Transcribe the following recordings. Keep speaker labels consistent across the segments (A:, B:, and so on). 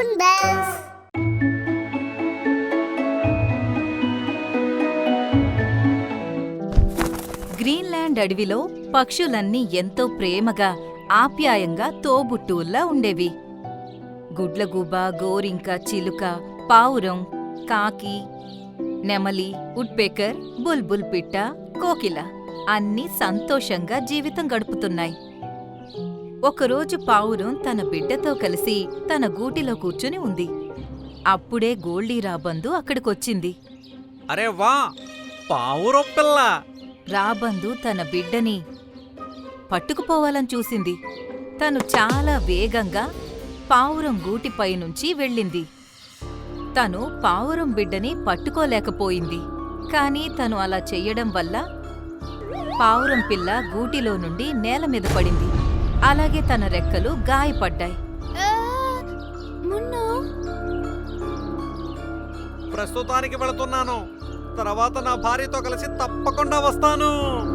A: Cartoon bells.
B: Greenland అడవిలో పక్షులన్నీ ఎంతో ప్రేమగా ఆప్యాయంగా తోబుట్టువుల్లా ఉండేవి. గుడ్లగూబ, గోరింక, చిలుక, పావురం, కాకి, నెమలి, ఉడ్పెకర్, బుల్బుల్ పిట్ట, కోకిల అన్నీ సంతోషంగా జీవితం గడుపుతున్నాయి. ఒకరోజు పావురం తన బిడ్డతో కలిసి తన గూటిలో కూర్చుని ఉంది. అప్పుడే గోల్డీ రాబందు అక్కడికొచ్చింది.
C: అరే వా, పావురం పిల్ల!
B: రాబందు తన బిడ్డని పట్టుకుపోవాలని చూసింది. తను చాలా వేగంగా పావురం గూటిపైనుంచి వెళ్ళింది. తను పావురం బిడ్డని పట్టుకోలేకపోయింది. కాని తను అలా చెయ్యడం వల్ల పావురం పిల్ల గూటిలో నుండి నేల మీద పడింది. అలాగే తన రెక్కలు గాయపడ్డాయి.
C: ప్రస్తుతానికి వెళుతున్నాను. తర్వాత నా భార్యతో కలిసి తప్పకుండా వస్తాను.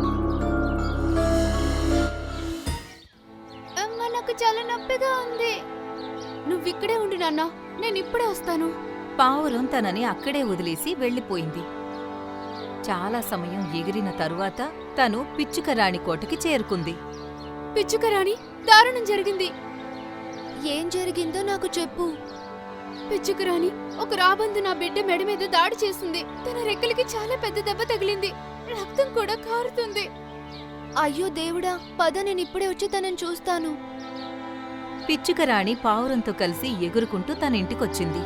D: నాకు చాలా నొప్పిగా ఉంది. నువ్విక్కడే ఉండు నాన్న, నేను ఇప్పుడే వస్తాను.
B: పావురం తనని అక్కడే వదిలేసి వెళ్ళిపోయింది. చాలా సమయం ఎగిరిన తరువాత తను పిచ్చుకరాణి కోటకి చేరుకుంది.
D: పిచ్చుకరాణి, దారుణం జరిగింది. ఏం జరిగిందో నాకు చెప్పు. పిచ్చుకరాణి, ఒక రాబందు నా బిడ్డ మెడ మీద దాడి చేసింది. తన రెక్కలకి చాలా పెద్ద దెబ్బ తగిలింది. రక్తం కూడా కారుతుంది. అయ్యో దేవుడా, పద, నేను ఇప్పుడే వచ్చి తనని చూస్తాను.
B: పిచ్చుకరాణి పావురంతో కలిసి ఎగురుకుంటూ తన ఇంటికొచ్చింది.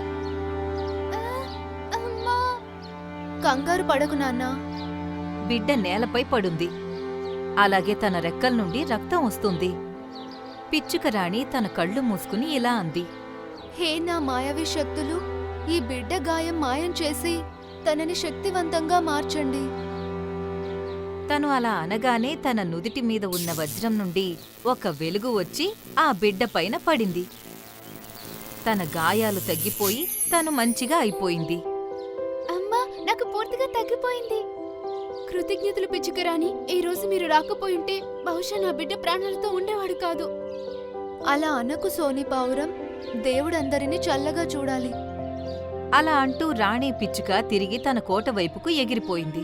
D: కంగారు పడకు నాన్నా.
B: బిడ్డ నేలపై పడుంది. అలాగే తన రెక్కల నుండి రక్తం వస్తుంది. పిచ్చుకరాణి తన కళ్ళు మూసుకుని ఇలా అంది.
D: హే నా మాయావి శక్తులు, ఈ బిడ్డ గాయం మాయం చేసి తనని శక్తివంతంగా మార్చండి.
B: తను అలా అనగానే తన నుదిటి మీద ఉన్న వజ్రం నుండి ఒక వెలుగు వచ్చి ఆ బిడ్డ పైన పడింది. తన గాయాలు తగ్గిపోయి తను మంచిగా అయిపోయింది.
D: అమ్మా, నాకు పూర్తిగా తగ్గిపోయింది. కృతజ్ఞతలు పిచ్చుకరాని. ఈ రోజు మీరు రాకపోయింటే బహుశా నా బిడ్డ ప్రాణాలతో ఉండేవాడు కాదు. అలా అనకు సోని పావురం, దేవుడందరినీ చల్లగా చూడాలి.
B: అలా అంటూ రాణి పిచ్చుక తిరిగి తన కోట వైపుకు ఎగిరిపోయింది.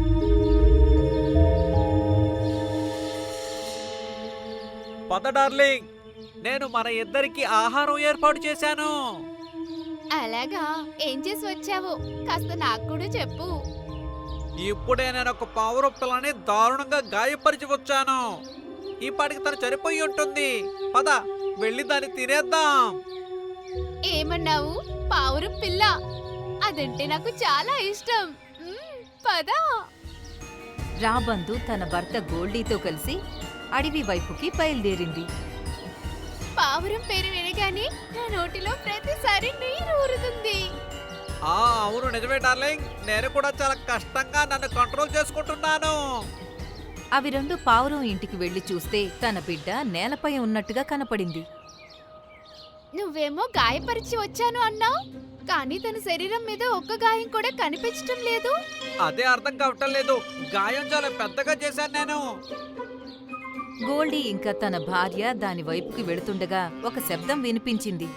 C: పద డార్లింగ్, నేను మన ఇద్దరికి ఆహారం ఏర్పాటు చేశాను.
D: అలాగా, ఏం చేసి వచ్చావో కాస్త నాకు కూడా చెప్పు.
C: ఇప్పుడే నేను ఒక పావురం పిల్లని దారుణంగా గాయపరిచి వచ్చాను. ఈ పాటికి తను చనిపోయి ఉంటుంది. పద, వెళ్ళి దాన్ని తినేద్దాం.
D: ఏమన్నావు? పావురం పిల్ల? అదంటే నాకు చాలా ఇష్టం. పద.
B: రాబందు తన భర్త గోల్డీతో కలిసి అడవి వైపుకి బయలుదేరింది.
D: పావురం పేరు వినగానే నా నోటిలో ప్రతిసారి నీరు ఊరుతుంది.
C: అవును, నిజమే డార్లింగ్. నేను కూడా చాలా కష్టంగా నన్ను కంట్రోల్ చేసుకుంటున్నాను.
B: అవి రెండు పావురం ఇంటికి వెళ్లి చూస్తే తన బిడ్డ నేలపై ఉన్నట్టుగా కనపడింది.
D: నువ్వేమో గాయపరిచి వచ్చాను అన్నావు, కానీ తన శరీరం మీద ఒక్క గాయం కూడా కనిపించటం లేదు.
C: అదే అర్థం కావటం లేదు. గాయం చాలా పెద్దగా చేశాను నేను.
B: గోల్డీ ఇంకా తన భార్య దాని వైపుకి వెళుతుండగా ఒక శబ్దం వినిపించింది.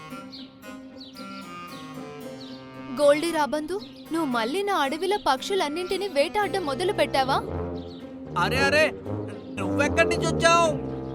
D: గోల్డీ రాబందు, నువ్వు మళ్ళీ నా అడవిలో పక్షులన్నింటినీ వేటాడడం మొదలు పెట్టావా?
C: అరే అరే, నువ్వెక్కడి నుంచి వచ్చావు?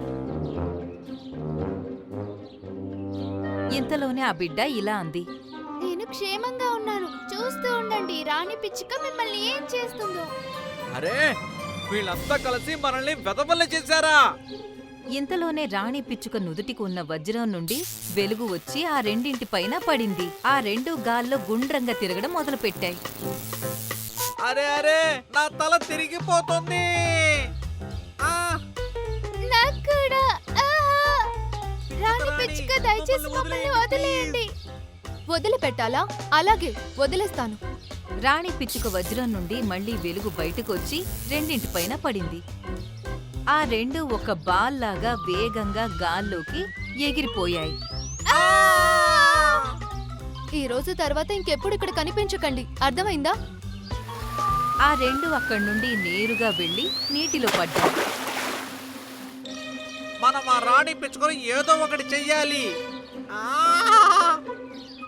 B: ఇంతలోనే ఆ బిడ్డ ఇలా అంది.
D: నేను క్షేమంగా ఉన్నాను. చూస్తూ ఉండండి, రాణి పిచ్చుక మిమ్మల్ని ఏం చేస్తుందో.
C: అరే, వీళ్ళంతా కలిసి మనల్ని వెదవల్ల చేశారా?
B: ఇంతలోనే రాణి పిచ్చుక నుదుటికి ఉన్న వజ్రం నుండి వెలుగు వచ్చి ఆ రెండింటి పైన పడింది. ఆ రెండు గాల్లో గుండ్రంగా తిరగడం మొదలుపెట్టాయి.
C: అరే అరే, నా తల తిరిగిపోతుంది.
D: నాకు కూడా. రాణి పిచ్చుక, దయచేసి మమ్మల్ని వదిలేయండి. వదిలిపెట్టాలా? అలాగే, వదిలేస్తాను.
B: రాణి పిచ్చుక వజ్రం నుండి మళ్లీ వెలుగు బయటకొచ్చి రెండింటిపైన పడింది. ఆ రెండు ఒక బాల్ లాగా వేగంగా గాల్లోకి ఎగిరిపోయాయి.
D: ఈ రోజు తర్వాత ఇంకెప్పుడు ఇక్కడ కనిపించకండి, అర్థమైందా?
B: ఆ రెండు అక్కడి నుండి నేరుగా వెళ్లి నీటిలో పడ్డాయి.
C: మనం ఆ రాణి పిచ్చుకొని ఏదో ఒకటి చెయ్యాలి.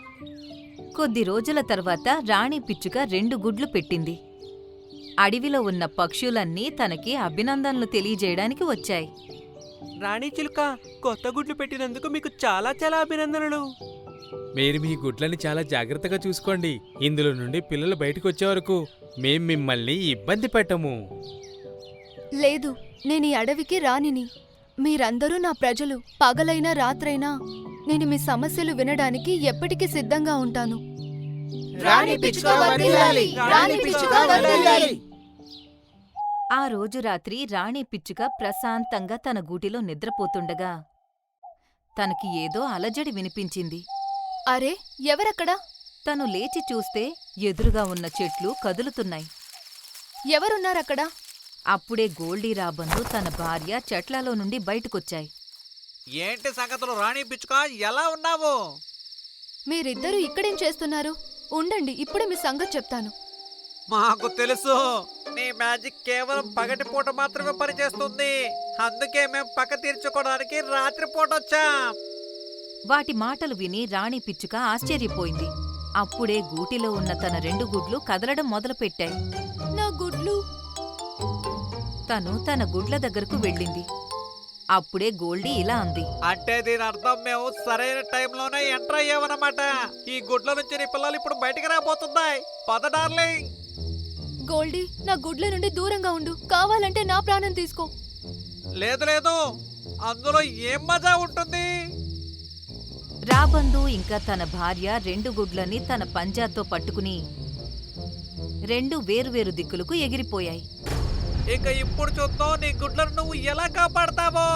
B: కొద్ది రోజుల తర్వాత రాణి పిచ్చుక 2 గుడ్లు పెట్టింది. అడవిలో ఉన్న పక్షులన్నీ తనకి అభినందనలు తెలియజేయడానికి వచ్చాయి.
A: రాణి చిలుక, కొత్త గుడ్లు పెట్టినందుకు మీకు చాలా చాలా అభినందనలు.
E: మీరు మీ గుడ్లని చాలా జాగ్రత్తగా చూసుకోండి. ఇందులో నుండి పిల్లలు బయటకు వచ్చే వరకు మేం మిమ్మల్ని ఇబ్బంది పెట్టము.
D: లేదు, నేను ఈ అడవికి రాణిని. మీరందరూ నా ప్రజలు. పగలైనా రాత్రైనా నేను మీ సమస్యలు వినడానికి ఎప్పటికీ సిద్ధంగా ఉంటాను.
A: రాణి పిచ్చుక వర్ధిల్లాలి! రాణి పిచ్చుక వర్ధిల్లాలి!
B: ఆ రోజు రాత్రి రాణి పిచ్చుక ప్రశాంతంగా తన గూటిలో నిద్రపోతుండగా తనకి ఏదో అలజడి వినిపించింది.
D: అరే, ఎవరక్కడా?
B: తను లేచి చూస్తే ఎదురుగా ఉన్న చెట్లు కదులుతున్నాయి.
D: ఎవరున్నారక్కడా?
B: అప్పుడే గోల్డీ రాబందు తన భార్య చెట్లలో నుండి బయటకొచ్చాయి.
C: ఏంటి సంగతులు రాణి పిచ్చుక, ఎలా ఉన్నావు?
D: మీరిద్దరూ ఇక్కడేం చేస్తున్నారు? ఉండండి, ఇప్పుడే మీ సంగతి చెప్తాను.
C: మాకు తెలుసు, నీ మ్యాజిక్ కేవలం పగటిపూట మాత్రమే పనిచేస్తుంది. అందుకే మేం పక్క తీర్చుకోవడానికి రాత్రిపూట వచ్చాం.
B: వాటి మాటలు విని రాణి పిచ్చుక ఆశ్చర్యపోయింది. అప్పుడే గూటిలో ఉన్న తన 2 గుడ్లు కదలడం మొదలుపెట్టాయి.
D: నా గుడ్లు!
B: తను తన గుడ్ల దగ్గరకు వెళ్ళింది. అప్పుడే గోల్డీ ఇలా అంది.
C: అంటే దీని అర్థం మేము సరైన టైంలోనే ఎంటర్ అయ్యామన్నమాట. ఈ గుడ్ల నుంచి నీ పిల్లలు ఇప్పుడు బయటికి రాబోతున్నాయి. పద డార్లింగ్.
D: గోల్డీ, నా గుడ్ల నుండి దూరంగా ఉండు. కావాలంటే నా ప్రాణం తీసుకో.
C: లేదు లేదు, అందులో ఏం మజా ఉంటుంది?
B: రాబందు ఇంకా తన భార్య 2 గుడ్లని తన పంజాతో పట్టుకుని 2 వేరువేరు దిక్కులకు ఎగిరిపోయాయి.
C: ఇక ఇప్పుడు చూద్దాం నీ గుడ్లను నువ్వు ఎలా కాపాడతావో.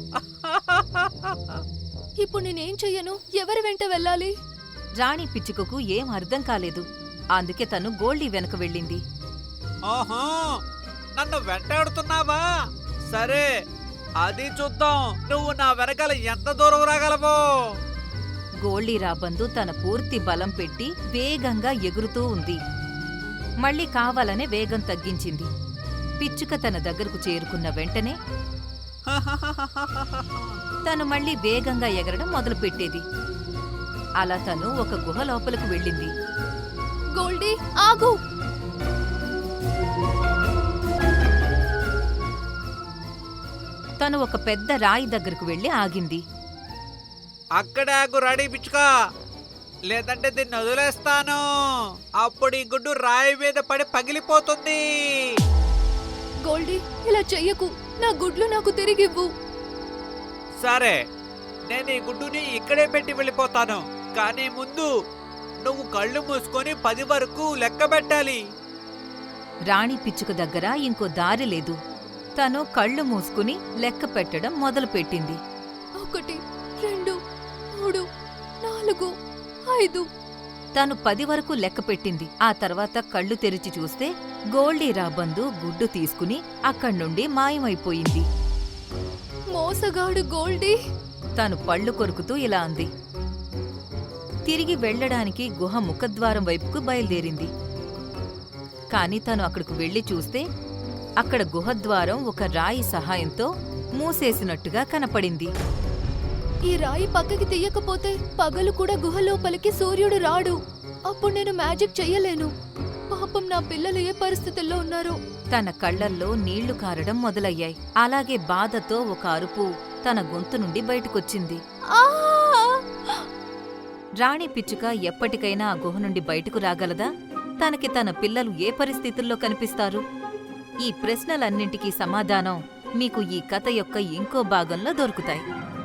D: ఇప్పుడు నేనేం చెయ్యను? ఎవరి వెంట వెళ్ళాలి?
B: రాణి పిచ్చుకకు ఏం అర్థం కాలేదు. అందుకే తను గోల్డీ వెనక వెళ్ళింది.
C: ఓహో, నన్ను వెంటాడుతున్నావా? సరే, అది చూద్దాం నువ్వు నా వెనకాల ఎంత దూరం రాగలవో.
B: గోల్డీ రాబందు తన పూర్తి బలం పెట్టి వేగంగా ఎగురుతూ ఉంది. మళ్ళీ కావాలనే వేగం తగ్గించింది. పిచ్చుక తన దగ్గరకు చేరుకున్న వెంటనే తను మళ్ళీ వేగంగా ఎగరడం మొదలుపెట్టేది. అలా తను ఒక గుహ లోపలకు వెళ్ళింది.
D: గోల్డీ, ఆగు!
B: తను ఒక పెద్ద రాయి దగ్గరకు వెళ్లి ఆగింది.
C: అక్కడే ఆగు రాణి పిచ్చుక, లేదంటే దీన్ని వదిలేస్తాను. అప్పుడు ఈ గుడ్డు రాయి మీద పడి పగిలిపోతుంది.
D: గోల్డీ, ఇలా చెయ్యకు. నా గుడ్లు నాకు తిరిగివ్వు.
C: సరే, నేను ఈ గుడ్డుని ఇక్కడే పెట్టి వెళ్ళిపోతాను. కానీ ముందు నువ్వు కళ్ళు మూసుకొని 10 వరకు లెక్క పెట్టాలి.
B: రాణి పిచ్చుక దగ్గర ఇంకో దారి లేదు. తను కళ్ళు మూసుకుని లెక్క పెట్టడం మొదలుపెట్టింది.
D: 1, 2, 3, 4, 5.
B: తను 10 వరకు లెక్క పెట్టింది. ఆ తర్వాత కళ్ళు తెరిచి చూస్తే గోల్డీ రాబందు గుడ్డు తీసుకుని అక్కడ్నుండి మాయమైపోయింది.
D: మోసగాడు గోల్డీ!
B: తను పళ్ళు కొరుకుతూ ఇలా అంది. తిరిగి వెళ్ళడానికి గుహ ముఖద్వారం వైపుకు బయలుదేరింది. కాని తను అక్కడకు వెళ్లి చూస్తే అక్కడ గుహద్వారం ఒక రాయి సహాయంతో మూసేసినట్టుగా కనపడింది.
D: ఈ రాయి పక్కకి తీయకపోతే పగలు కూడా గుహ లోపలికి సూర్యుడు రాడు. అప్పుడు నేను మ్యాజిక్ చెయ్యలేను. పాపం నా పిల్లలు ఏ పరిస్థితుల్లో ఉన్నారో.
B: తన కళ్లల్లో నీళ్లు కారడం మొదలయ్యాయి. అలాగే బాధతో ఒక అరుపు తన గొంతు నుండి బయటకొచ్చింది.
D: ఆ!
B: రాణి పిచ్చుక ఎప్పటికైనా ఆ గుహ నుండి బయటకు రాగలదా? తనకి తన పిల్లలు ఏ పరిస్థితుల్లో కనిపిస్తారు? ఈ ప్రశ్నలన్నింటికీ సమాధానం మీకు ఈ కథ యొక్క ఇంకో భాగంలో దొరుకుతాయి.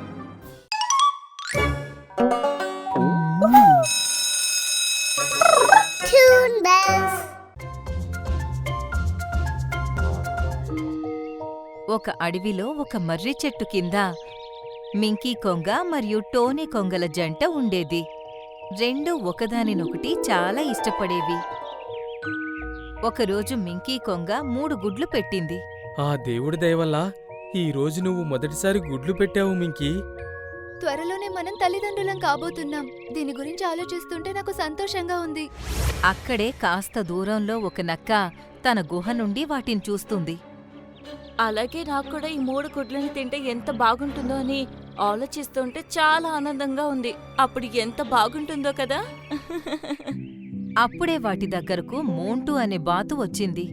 B: ఒక అడవిలో ఒక మర్రి చెట్టు కింద మింకీ కొంగ మరియు టోనీ కొంగల జంట ఉండేది. 2 ఒకదానినొకటి చాలా ఇష్టపడేవి. ఒకరోజు మింకీ కొంగ 3 గుడ్లు పెట్టింది.
E: ఆ దేవుడి దయవల్ల ఈ రోజు నువ్వు మొదటిసారి గుడ్లు పెట్టావు మింకీ.
D: త్వరలోనే మనం తల్లిదండ్రులం కాబోతున్నాం. దీని గురించి ఆలోచిస్తుంటే నాకు సంతోషంగా ఉంది.
B: అక్కడే కాస్త దూరంలో ఒక నక్క తన గుహ నుండి వాటిని చూస్తుంది.
F: అలాగే నాకు కూడా ఈ 3 గుడ్లని తింటే ఎంత బాగుంటుందో అని ఆలోచిస్తుంటే చాలా ఆనందంగా ఉంది. అప్పుడు ఎంత బాగుంటుందో కదా.
B: అప్పుడే వాటి దగ్గరకు మోంటూ అనే బాతు వచ్చింది.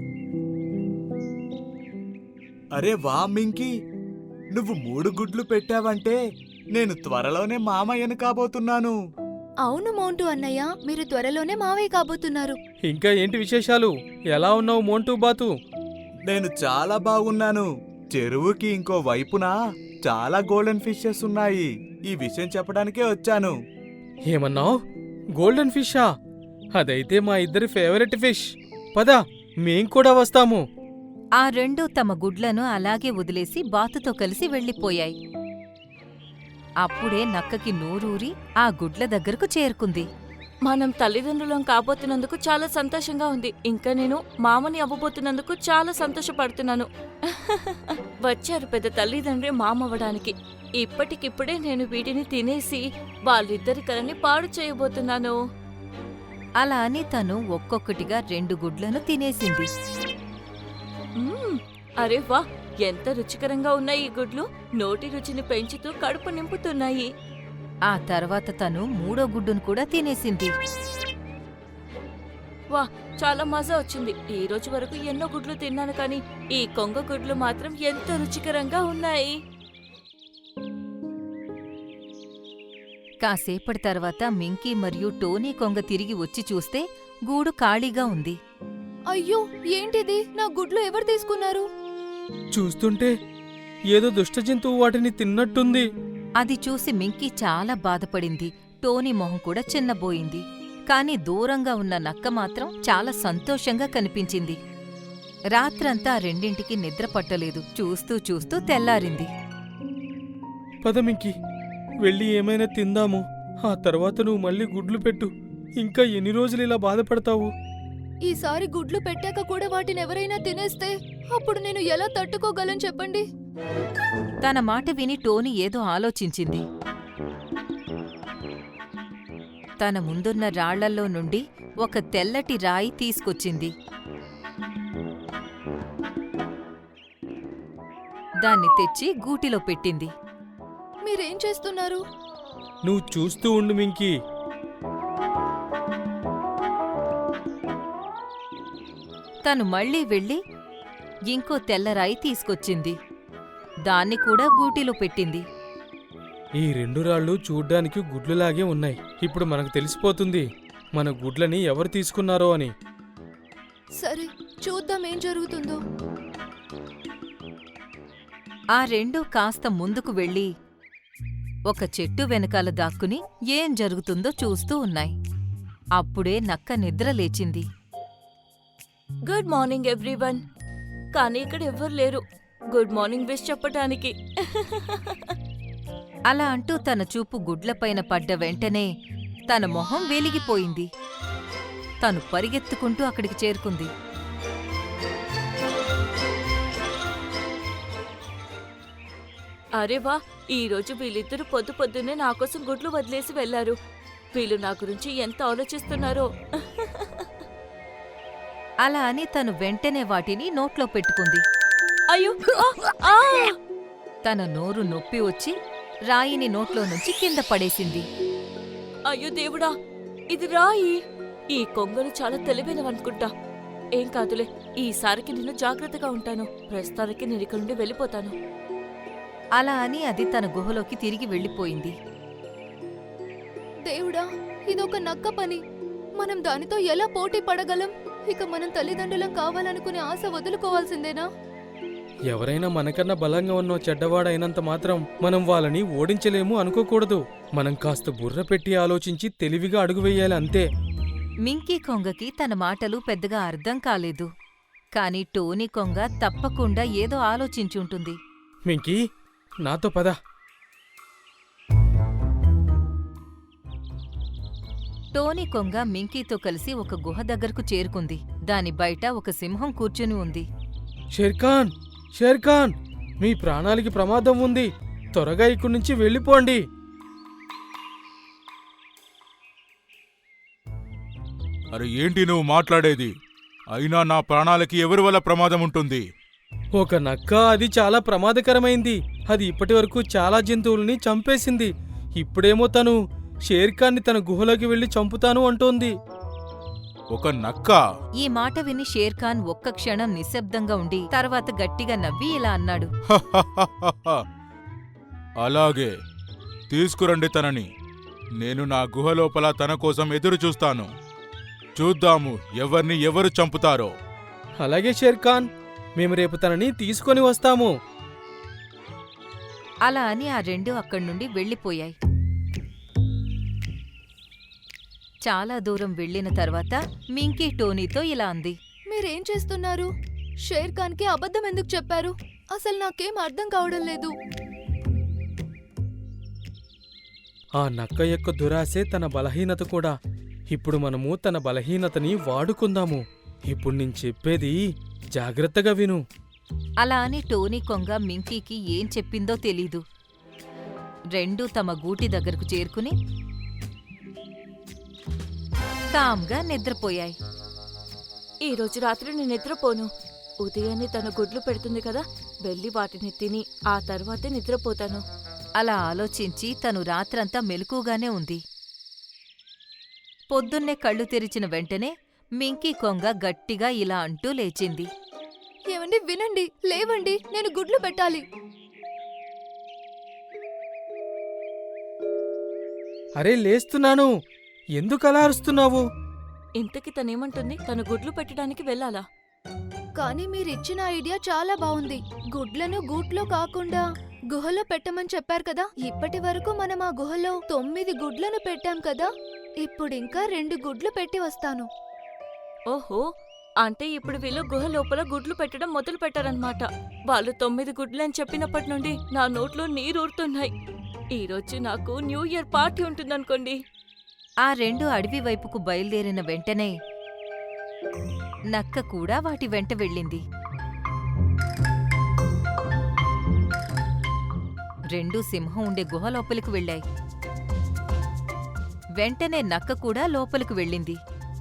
G: అరే వా మింకీ, నువ్వు 3 గుడ్లు పెట్టావంటే నేను త్వరలోనే మామయ్యను కాబోతున్నాను.
D: అవును మోంటూ అన్నయ్య, మీరు త్వరలోనే మావయ్య కాబోతున్నారు.
E: ఇంకా ఏంటి విశేషాలు? ఎలా ఉన్నావు మోంటూ బాతు?
G: నేను చాలా బాగున్నాను. చెరువుకి ఇంకో వైపున చాలా గోల్డెన్ ఫిషెస్ ఉన్నాయి. ఈ విషయం చెప్పడానికే వచ్చాను.
E: ఏమన్నావు? గోల్డెన్ ఫిషా? అదైతే మా ఇద్దరి ఫేవరెట్ ఫిష్. పద, మేం కూడా వస్తాము.
B: ఆ రెండూ తమ గుడ్లను అలాగే వదిలేసి బాతుతో కలిసి వెళ్ళిపోయాయి. అప్పుడే నక్కకి నోరూరి ఆ గుడ్ల దగ్గరకు చేరుకుంది.
F: మనం తల్లిదండ్రులం కాబోతున్నందుకు చాలా సంతోషంగా ఉంది. ఇంకా నేను మామని అవ్వబోతున్నందుకు చాలా సంతోషపడుతున్నాను. వచ్చారు పెద్ద తల్లిదండ్రి మామవ్వడానికి. ఇప్పటికిప్పుడే నేను వీటిని తినేసి వాళ్ళిద్దరి కలని పాడు చేయబోతున్నాను.
B: అలా అని తను ఒక్కొక్కటిగా 2 గుడ్లను తినేసింది.
F: అరే వా, ఎంత రుచికరంగా ఉన్నాయి ఈ గుడ్లు. నోటి రుచిని పెంచుతూ కడుపు నింపుతున్నాయి.
B: ఆ తర్వాత తను 3వ గుడ్డును కూడా తినేసింది.
F: వా, చాలా మజా వచ్చింది. ఈ రోజు వరకు ఎన్నో గుడ్లు తిన్నాను, కానీ ఈ కొంగ గుడ్లు మాత్రం ఎంత రుచికరంగా ఉన్నాయి.
B: కాసేపటి తర్వాత మింకీ మరియు టోనీ కొంగ తిరిగి వచ్చి చూస్తే గూడు ఖాళీగా ఉంది.
D: అయ్యో, ఏంటిది? నా గుడ్లు ఎవరు తీసుకున్నారు?
E: చూస్తుంటే ఏదో దుష్ట జంతువు వాటిని తిన్నట్టుంది.
B: అది చూసి మింకీ చాలా బాధపడింది. టోనీ మొహం కూడా చిన్నబోయింది. కాని దూరంగా ఉన్న నక్క మాత్రం చాలా సంతోషంగా కనిపించింది. రాత్రంతా ఆ రెండింటికి నిద్ర పట్టలేదు. చూస్తూ చూస్తూ తెల్లారింది.
E: పదమింకి, వెళ్ళి ఏమైనా తిందాము. ఆ తర్వాత నువ్వు మళ్ళీ గుడ్లు పెట్టు. ఇంకా ఎన్ని రోజులు ఇలా బాధపడతావు?
D: ఈసారి గుడ్లు పెట్టాక కూడా వాటిని ఎవరైనా తినేస్తే అప్పుడు నేను ఎలా తట్టుకోగలను చెప్పండి?
B: తన మాట విని టోనీ ఏదో ఆలోచించింది. తన ముందున్న రాళ్లల్లో నుండి ఒక తెల్లటి రాయి తీసుకొచ్చింది. దాన్ని తెచ్చి గూటిలో పెట్టింది.
D: మీరేం చేస్తున్నారు?
E: నువ్వు చూస్తూ ఉండు మింకీ.
B: తను మళ్ళీ వెళ్ళి ఇంకో తెల్లరాయి తీసుకొచ్చింది. దాన్ని కూడా గూటిలో పెట్టింది.
E: ఈ 2 రాళ్ళు చూడ్డానికి గుడ్లులాగే ఉన్నాయి. ఇప్పుడు మనకు తెలిసిపోతుంది మన గుడ్లని ఎవరు తీసుకున్నారో అని.
D: సరే, చూద్దాం ఏం జరుగుతుందో.
B: ఆ 2 కాస్త ముందుకు వెళ్ళి ఒక చెట్టు వెనకాల దాక్కుని ఏం జరుగుతుందో చూస్తూ ఉన్నాయి. అప్పుడే నక్క నిద్ర లేచింది.
F: Good morning everyone. కానీ ఇక్కడ ఎవ్వరు లేరు గుడ్ మార్నింగ్ విష్ చెప్పటానికి.
B: అలా అంటూ తన చూపు గుడ్లపైన పడ్డ వెంటనే తన మొహం వెలిగిపోయింది. తను పరిగెత్తుకుంటూ అక్కడికి చేరుకుంది.
F: అరే వా, ఈరోజు వీళ్ళిద్దరూ పొద్దున్నే నా కోసం గుడ్లు వదిలేసి వెళ్లారు. వీళ్ళు నా గురించి ఎంత ఆలోచిస్తున్నారో.
B: అలా అని తను వెంటనే వాటిని నోట్లో పెట్టుకుంది.
F: అయ్యో, ఆ!
B: తన నోరు నొప్పి వచ్చి రాయిని నోట్లో నుంచి కింద పడేసింది.
F: అయ్యో దేవుడా, ఇది రాయి. ఈ కొంగలు చాలా తెలివైనవనుకుంటా. ఏం కాదులే, ఈసారికి నేను జాగ్రత్తగా ఉంటాను. ప్రస్తుతానికి నేను ఇక్కడి నుండి వెళ్ళిపోతాను.
B: అలా అని అది తన గుహలోకి తిరిగి వెళ్ళిపోయింది.
D: దేవుడా, ఇదొక నక్క పని. మనం దానితో ఎలా పోటీ పడగలం? ఇక మనం తల్లిదండ్రులం కావాలనుకునే ఆశ వదులుకోవాల్సిందేనా?
E: ఎవరైనా మనకన్నా బలంగా ఉన్న చెడ్డవాడైనంత మాత్రం మనం వాళ్ళని ఓడించలేము అనుకోకూడదు. మనం కాస్త బుర్ర పెట్టి ఆలోచించి తెలివిగా అడుగు వెయ్యాలి అంతే.
B: మింకీ కొంగకి తన మాటలు పెద్దగా అర్థం కాలేదు. కాని టోనీ కొంగ తప్పకుండా ఏదో ఆలోచించుంటుంది.
E: మింకీ, నాతో పద.
B: టోనీ కొంగ మింకీతో కలిసి ఒక గుహ దగ్గరకు చేరుకుంది. దాని బయట ఒక సింహం కూర్చుని ఉంది.
E: షేర్ఖాన్, షేర్ఖాన్, మీ ప్రాణాలకి ప్రమాదం ఉంది. త్వరగా ఇక్కడి నుంచి వెళ్ళిపోండి.
H: అరే ఏంటి నువ్వు మాట్లాడేది? అయినా నా ప్రాణాలకి ఎవరి వల్ల ప్రమాదం ఉంటుంది?
E: ఒక నక్క అది చాలా ప్రమాదకరమైంది. అది ఇప్పటివరకు చాలా జంతువుల్ని చంపేసింది. ఇప్పుడేమో తను షేర్ఖాన్ని తన గుహలోకి వెళ్లి చంపుతాను అంటోంది.
G: ఒక నక్క?
B: ఈ మాట విని షేర్ఖాన్ ఒక్క క్షణం నిశ్శబ్దంగా ఉండి తర్వాత గట్టిగా నవ్వి ఇలా అన్నాడు.
G: అలాగే తీసుకురండి తనని. నేను నా గుహ లోపల తన కోసం ఎదురు చూస్తాను. చూద్దాము ఎవరిని ఎవరు చంపుతారో.
E: అలాగే షేర్ఖాన్, మేము రేపు తనని తీసుకొని వస్తాము.
B: అలా అని ఆ రెండు అక్కడి నుండి వెళ్ళిపోయాయి. చాలా దూరం వెళ్ళిన తర్వాత మింకీ టోనీతో ఇలా అంది.
D: మీరేం చేస్తున్నారు? షేర్ ఖాన్కి అబద్ధం ఎందుకు చెప్పారు? అసలు నాకేం అర్థం కావడం లేదు.
E: ఆ నక్క యొక్క దురాశే తన బలహీనత కూడా. ఇప్పుడు మనము తన బలహీనతని వాడుకుందాము. ఇప్పుడు నేను చెప్పేది జాగ్రత్తగా విను.
B: అలా అని టోనీ కొంగ మింకీకి ఏం చెప్పిందో తెలీదు. రెండూ తమ గూటి దగ్గరకు చేరుకుని కామ్గా నిద్రపోయాయి.
F: ఈ రోజు రాత్రి నేను నిద్రపోను. ఉదయాన్నే తన గుడ్లు పెడుతుంది కదా, వెళ్ళి వాటిని తిని ఆ తర్వాతే నిద్రపోతాను.
B: అలా ఆలోచించి తను రాత్రంతా మెలకుగానే ఉంది. పొద్దున్నే కళ్ళు తెరిచిన వెంటనే మింకీ కొంగ గట్టిగా ఇలా అంటూ లేచింది.
D: ఏమండి, వినండి, లేవండి, నేను గుడ్లు పెట్టాలి.
E: అరే లేస్తున్నాను, ఎందుకలా అరుస్తున్నావు?
F: ఇంతకి తనేమంటుంది? తను గుడ్లు పెట్టడానికి వెళ్ళాలా?
D: కానీ మీరిచ్చిన ఐడియా చాలా బాగుంది. గుడ్లను గూట్లో కాకుండా గుహలో పెట్టమని చెప్పారు కదా. ఇప్పటి వరకు మనం ఆ గుహలో 9 గుడ్లను పెట్టాం కదా. ఇప్పుడింకా 2 గుడ్లు పెట్టి వస్తాను.
F: ఓహో, అంటే ఇప్పుడు వీళ్ళు గుహ లోపల గుడ్లు పెట్టడం మొదలు పెట్టారన్నమాట. వాళ్ళు 9 గుడ్లు అని చెప్పినప్పటి నుండి నా నోట్లో నీరూరుతున్నాయి. ఈరోజు నాకు న్యూ ఇయర్ పార్టీ ఉంటుందనుకోండి.
B: ఆ రెండు అడవి వైపుకు బయలుదేరిన వెంటనే నక్క కూడా వాటి వెంట వెళ్ళింది. రెండూ సింహం ఉండే గుహ లోపలికి వెళ్ళాయి. వెంటనే నక్క కూడా లోపలికి వెళ్ళింది.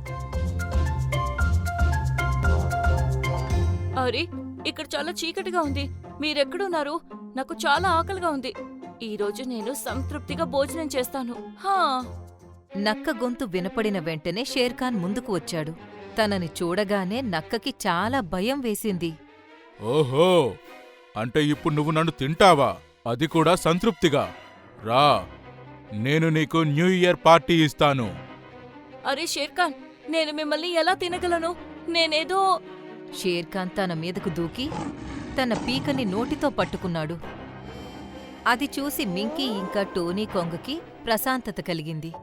F: అరే, ఇక్కడ చాలా చీకటిగా ఉంది. మీరెక్కడున్నారు? నాకు చాలా ఆకలిగా ఉంది. ఈరోజు నేను సంతృప్తిగా భోజనం చేస్తాను. హా.
B: నక్క గొంతు వినపడిన వెంటనే షేర్ఖాన్ ముందుకు వచ్చాడు. తనని చూడగానే నక్కకి చాలా భయం వేసింది.
G: ఓహో, అంటే ఇప్పుడు నువ్వు నన్ను తింటావా? అది కూడా సంతృప్తిగా? రా, నేను నీకు న్యూ ఇయర్ పార్టీ ఇస్తాను.
F: అరే షేర్ఖాన్, నేను మిమ్మల్ని ఎలా తినగలను? నేనేదో...
B: షేర్ఖాన్ తన మీదకు దూకి తన పీకని నోటితో పట్టుకున్నాడు. అది చూసి మింకీ ఇంకా టోనీ కొంగకి ప్రశాంతత కలిగింది.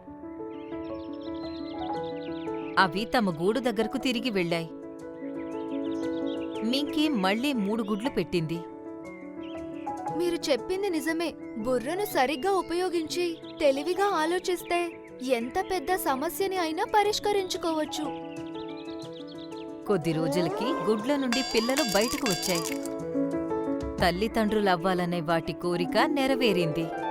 B: అవి తమ గూడు దగ్గరకు తిరిగి వెళ్ళాయి. మింకీ మళ్లీ 3 గుడ్లు పెట్టింది.
D: మీరు చెప్పింది నిజమే. బుర్రను సరిగ్గా ఉపయోగించి తెలివిగా ఆలోచిస్తే ఎంత పెద్ద సమస్యని అయినా పరిష్కరించుకోవచ్చు.
B: కొద్ది రోజులకి గుడ్ల నుండి పిల్లలు బయటకు వచ్చాయి. తల్లిదండ్రులవ్వాలనే వాటి కోరిక నెరవేరింది.